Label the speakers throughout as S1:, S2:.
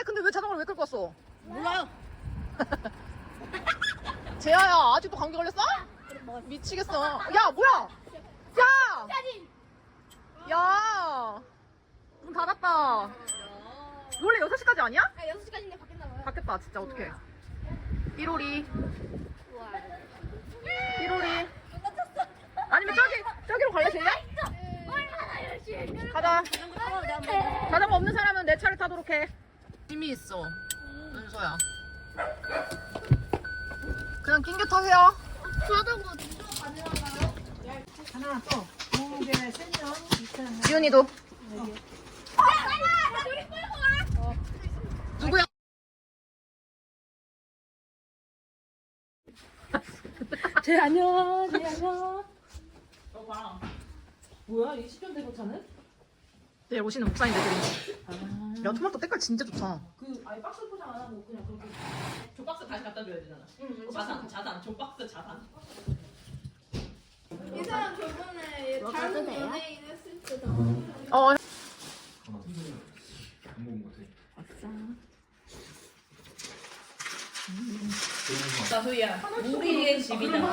S1: 그래? 근데 왜 자전거를 왜 끌고 왔어?
S2: 몰라요.
S1: 재아야 아직도 감기 걸렸어? 미치겠어. 야 뭐야? 야! 야! 문 닫았다. 원래 6시까지 아니야?
S2: 아 6시까지인데 바뀌었나봐요.
S1: 바뀌었다 진짜 어떡해. 1호리 1호리 아니면 저기로 갈래 재야?
S2: 얼마나 열심히
S1: 가자. 자전거 없는 사람은 내 차를 타도록 해. 힘이 있어 은서야. 그냥 낑겨 타세요.
S2: 자전거 누가 가져가나요?
S3: 하나 또 공개 센정 2,000원.
S1: 지훈이도. 누구야?
S3: 제 안녕. 제 안녕. 봐. 뭐야? 20년 된 거 차는?
S1: 내일 오시는 목사님들이. 야 토마토 때깔 진짜 좋다.
S3: 그 아예 박스 포장 안 하고 그냥 그렇게.
S4: 저 박스 다시 갖다 줘야 되잖아. 자산, 저 박스 자산.
S2: 이 사람 저번에 닮은 연예인 했을 때다.
S1: 어.
S4: 나 소희야, 우리의 집이잖아.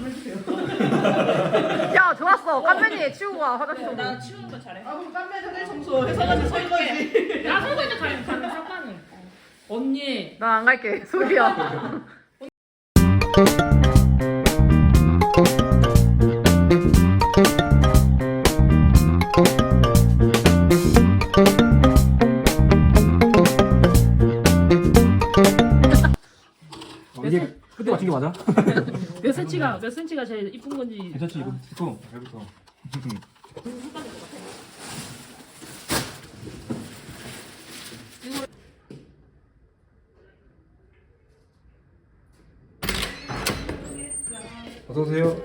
S1: 야 좋았어. 깜면이 치우고 와 화장실 좀.
S4: 나 치우는 거 잘해.
S3: 아 그럼 깜짝 전에 청소.
S4: 설거지 설거지.
S3: 나 설거지 가면 상관은. 언니.
S1: 나 안 갈게. 소리야.
S5: 이게 그때 맞춘 게 맞아?
S3: 몇 센치가 제일 이쁜 건지.
S5: 괜찮지 이거 이거 잘부터. 어서 오세요.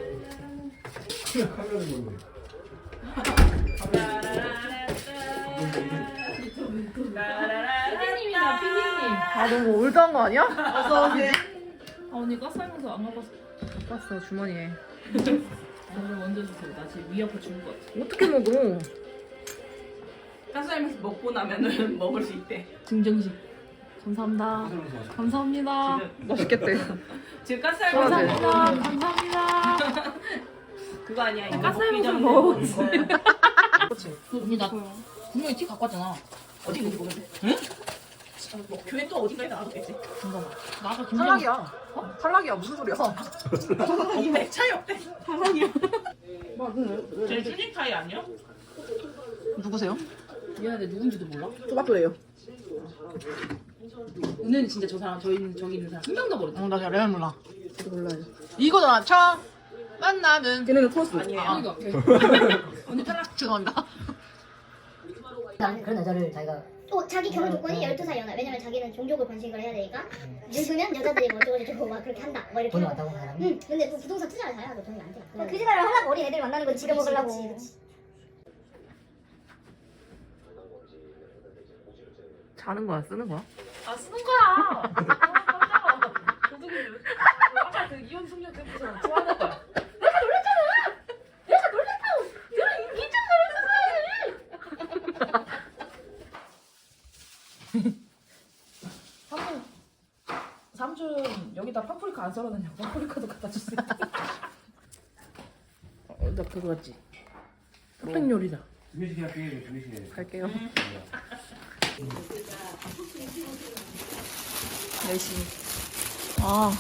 S3: 피디님이다 피디님.
S1: 아 너무 올드한 거 아니야?
S3: 아 언니 가스 하면서 안 먹었어.
S1: 봤어 주머니에.
S3: 오늘 먼저 주세요. 나 지금 위 아파 죽을 것 같아.
S1: 어떻게 먹어?
S4: 가스라이면서 먹고 나면은 먹을 수 있대.
S3: 증정식. 감사합니다. 감사합니다.
S1: 맛있겠대.
S4: 지금 가스라이면서
S3: 감사합니다.
S4: 그거 아니야. 이거
S3: 가스라이면서
S4: 먹기 전에
S3: 먹어보지. 언니 나 분명히 티 갖고 왔잖아.
S4: 어디 있는지 모르는데. 응? 뭐 교회 또 어딘가에 나가겠지.
S3: 잠깐만. 나가
S1: 탈락이야. 탈락이야 무슨 소리야?
S4: 없대. 차이 없대.
S3: 제 쭈닝 타이 아니야?
S1: 누구세요?
S3: 미안한데 누군지도 몰라?
S1: 토마토예요.
S3: 은혜는 진짜 저 사람 저기 있는 사람 한 명도 모르지.
S1: 나 잘 레알 몰라. 저도 몰라요. 이거잖아. 처음 만나는. 걔네는 토스.
S4: 아니에요.
S3: 아, 오케이. 언니 탈락.
S1: 죄송합니다.
S6: 그런 여자를 자기가
S7: 또 자기 결혼 조건이 12살 연하. 왜냐면 자기는 종족을 번식을 해야 되니까 늙으면 여자들이 뭐 어쩌고저쩌고 막 그렇게 한다 뭐 이렇게
S6: 돈이
S7: 하고.
S6: 많다고 사람이.
S7: 응. 근데 또 부동산 투자를 잘해도 돈이 안 돼. 그 생각을 하려고 어린 애들 만나는 거 지금 먹으려고.
S1: 자는 거야 쓰는 거야?
S3: 아 쓰는 거야. 도둑이 아까 그 이혼 숙녀 그거잖아. 좋아하는 거야. 삼촌 여기다 파프리카 안 썰어놨냐고. 파프리카도 갖다 주세요. 나 그거 같지? 흑백 요리다.
S5: 두 개씩 할게. 두 개씩.
S1: 갈게요. 열심히. 아.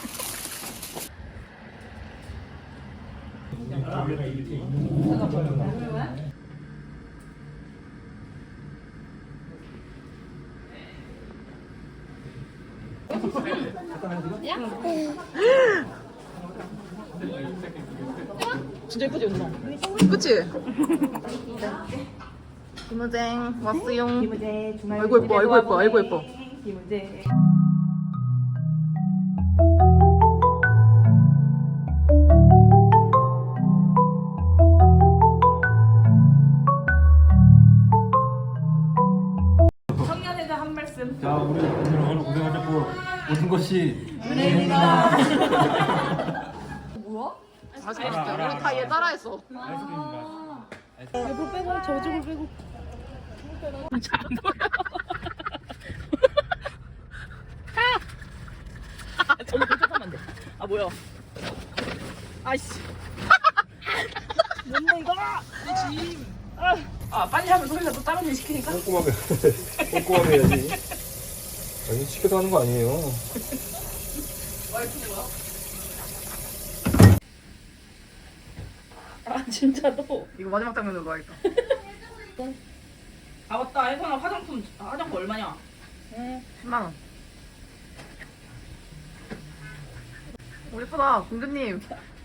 S1: 진짜 예쁘지 은서? 그치? 김우쟁 왔어용. 아이고 예뻐 아이고 예뻐 아이고 예뻐.
S4: 청년회장 한 말씀.
S5: 자 우리 오늘 고생하셨고 모든 것이
S4: 은혜입니다.
S1: 아 진짜 우리 다 얘 따라했어.
S3: 이불 빼고 저쪽을 빼고. 시키니까?
S5: 꼼꼼하게 꼼꼼하게 해야지. 아니 시켜서 하는 거 아니에요.
S3: 아 진짜로?
S1: 이거 마지막 장면으로 넣어야겠다.
S4: 아 맞다 혜선아 화장품 얼마냐?
S1: 10만 원. 오 예쁘다 공주님.